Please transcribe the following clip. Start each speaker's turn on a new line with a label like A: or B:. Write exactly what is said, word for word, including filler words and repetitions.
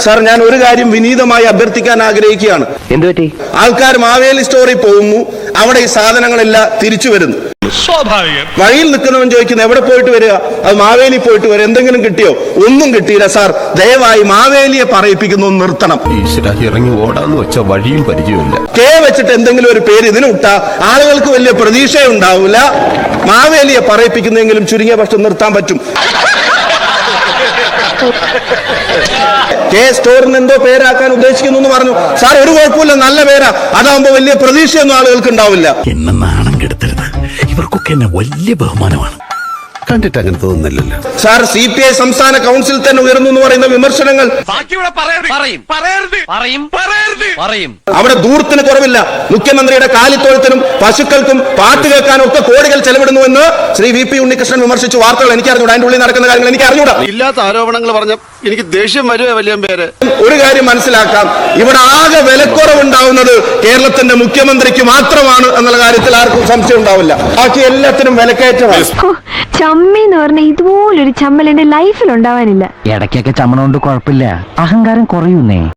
A: Sir, ഞാൻ ഒരു കാര്യം വിനീതമായി അഭ്യർത്ഥിക്കാൻ ആഗ്രഹിക്കുകയാണ്.
B: എന്തുപറ്റി?
A: ആൾക്കാർ മാവേലി സ്റ്റോറിൽ പോകുന്നു, അവിടെ ഈ സാധനങ്ങളെല്ലാം തിരിച്ചു വരുന്നു.
C: സ്വാഭാവികം.
A: വഴിയിൽ നിൽക്കുന്നവൻ ചോദിക്കുന്നു എവിടെ പോയിട്ട് വരിക? അത് മാവേലി പോയിട്ട് വരിക. എന്തെങ്കിലും കിട്ടിയോ? ഒന്നും കിട്ടിയില്ല സാർ. ദയവായി മാവേലിയെ പറയിപ്പിക്കുന്നു നിർത്തണം.
D: ഇറങ്ങി ഓടാന്ന് വെച്ച വഴിയും പരിചയമില്ല.
A: കെ വെച്ചിട്ട് എന്തെങ്കിലും ഒരു പേര് ഇതിന് വിട്ടാ ആളുകൾക്ക് വലിയ പ്രതീക്ഷയുണ്ടാവില്ല. മാവേലിയെ പറയിപ്പിക്കുന്നെങ്കിലും ചുരുങ്ങിയ പക്ഷം നിർത്താൻ പറ്റും. കെ സ്റ്റോറിന് എന്തോ പേരാക്കാൻ ഉദ്ദേശിക്കുന്നു എന്ന് പറഞ്ഞു. സാർ, ഒരു കുഴപ്പമില്ല, നല്ല പേരാ. അതാകുമ്പോ വലിയ പ്രതീക്ഷയൊന്നും ആളുകൾക്ക് ഉണ്ടാവില്ല.
E: എന്നെ നാണം കെടുത്തരുത്. ഇവർക്കൊക്കെ എന്നെ വലിയ ബഹുമാനമാണ്.
D: കണ്ടിട്ട് അങ്ങനെ തോന്നുന്നില്ലല്ലോ.
A: സാർ, സി പി ഐ സംസ്ഥാന കൗൺസിൽ തന്നെ ഉയർന്നു എന്ന് പറയുന്ന വിമർശനങ്ങൾ അവിടെ ദൂരത്തിന് കുറവില്ല. മുഖ്യമന്ത്രിയുടെ കാലിത്തോഴത്തിനും പശുക്കൾക്കും പാട്ട് കേൾക്കാനും ഒക്കെ കോടികൾ ചെലവിടുന്നുവെന്ന് ശ്രീ വി പി ഉണ്ണികൃഷ്ണൻ വിമർശിച്ചു. വാർത്തകൾ എനിക്ക് അറിഞ്ഞൂടാ, അതിന്റെ ഉള്ളിൽ നടക്കുന്ന കാര്യങ്ങൾ എനിക്ക് അറിഞ്ഞൂടാ.
D: ഇല്ലാത്ത ആരോപണങ്ങൾ പറഞ്ഞ എനിക്ക് ദേഷ്യം വരുവേ വലിയ പേര്.
A: ഒരു കാര്യം മനസ്സിലാക്കാം, ഇവിടെ ആകെ വിലക്കുറവുണ്ടാവുന്നത് കേരളത്തിന്റെ മുഖ്യമന്ത്രിക്ക് മാത്രമാണ് എന്നുള്ള കാര്യത്തിൽ ആർക്കും സംശയം ഉണ്ടാവില്ല. ബാക്കി എല്ലാത്തിനും വിലക്കയറ്റമാണ്.
F: ചമ്മി എന്ന് പറഞ്ഞ ഇതുപോലൊരു ചമ്മൽ എന്റെ ലൈഫിൽ ഉണ്ടാവാനില്ല.
B: ഇടയ്ക്കൊക്കെ ചമ്മണോണ്ട് കുഴപ്പമില്ല, അഹങ്കാരം കുറയുന്നേ.